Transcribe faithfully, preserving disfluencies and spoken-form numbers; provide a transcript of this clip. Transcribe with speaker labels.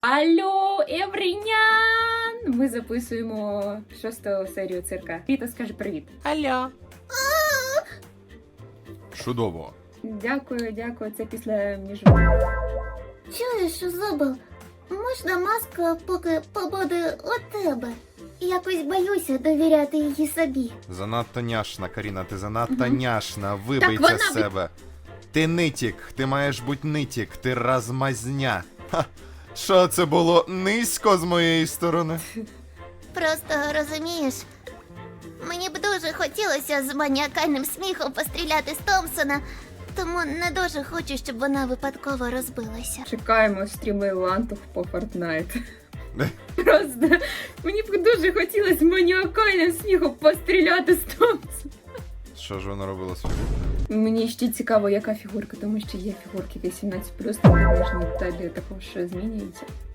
Speaker 1: Алло, Еврінян! Ми записуємо шосту серію цирка. Віта, скажи привіт.
Speaker 2: Алло.
Speaker 3: Чудово.
Speaker 1: Дякую, дякую. Це після між...
Speaker 4: Чуєш, Зубл, можна маска поки побуде у тебе? Якось боюся довіряти її собі.
Speaker 3: Занадто няшна, Каріна, ти занадто
Speaker 1: Мгм.
Speaker 3: няшна. Вибий
Speaker 1: Так
Speaker 3: це
Speaker 1: вона
Speaker 3: з
Speaker 1: від-
Speaker 3: себе. Ти нитік, ти маєш бути нитік, ти размазня. Ха. Що це було низько з моєї сторони?
Speaker 4: Просто розумієш, мені б дуже хотілося з маніакальним сміхом постріляти з Томпсона, тому не дуже хочу, щоб вона випадково розбилася.
Speaker 1: Чекаємо стріми лантух по Fortnite. Просто мені б дуже хотілося маніакальним сміхом постріляти з Томпсона.
Speaker 3: Що ж вона робила з фігуркою?
Speaker 1: Мені ще цікаво, яка фігурка, тому що є фігурки вісімнадцять плюс, там ніжні деталі також змінюються.